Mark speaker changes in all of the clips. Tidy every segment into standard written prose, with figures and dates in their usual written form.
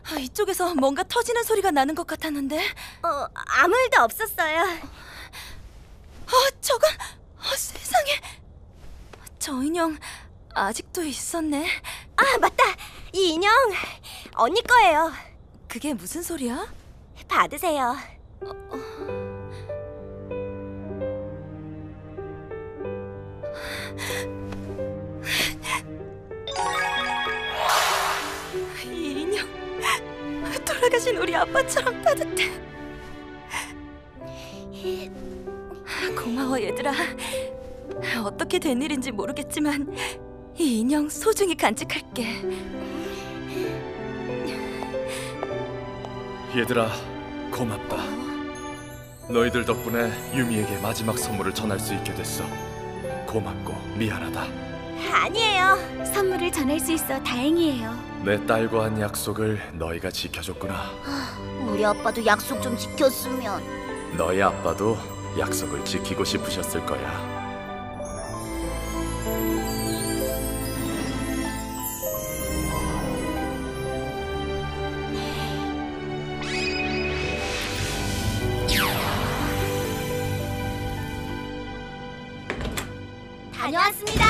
Speaker 1: 이쪽에서 뭔가 터지는 소리가 나는 것 같았는데.
Speaker 2: 아무 일도 없었어요.
Speaker 1: 저건 세상에. 저 인형 아직도 있었네.
Speaker 2: 아, 맞다. 이 인형 언니 거예요.
Speaker 1: 그게 무슨 소리야?
Speaker 2: 받으세요.
Speaker 1: 이 인형 돌아가신 우리 아빠처럼 따뜻해. 고마워 얘들아. 어떻게 된 일인지 모르겠지만 이 인형 소중히 간직할게.
Speaker 3: 얘들아, 고맙다. 너희들 덕분에 유미에게 마지막 선물을 전할 수 있게 됐어. 고맙고 미안하다.
Speaker 2: 아니에요. 선물을 전할 수 있어 다행이에요.
Speaker 3: 내 딸과 한 약속을 너희가 지켜줬구나.
Speaker 2: 우리 아빠도 약속 좀 지켰으면.
Speaker 3: 너희 아빠도 약속을 지키고 싶으셨을 거야.
Speaker 2: 다녀왔습니다.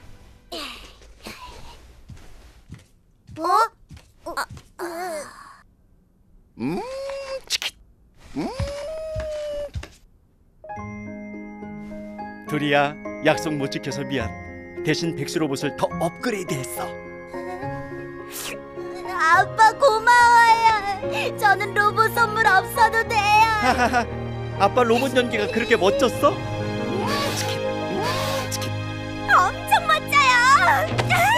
Speaker 4: 둘이야, 약속 못 지켜서 미안. 대신 백수 로봇을 더 업그레이드했어.
Speaker 2: 아빠 고마워요. 저는 로봇 선물 없어도 돼요.
Speaker 4: 아빠 로봇 연기가 그렇게 멋졌어?
Speaker 2: 엄청 멋져요.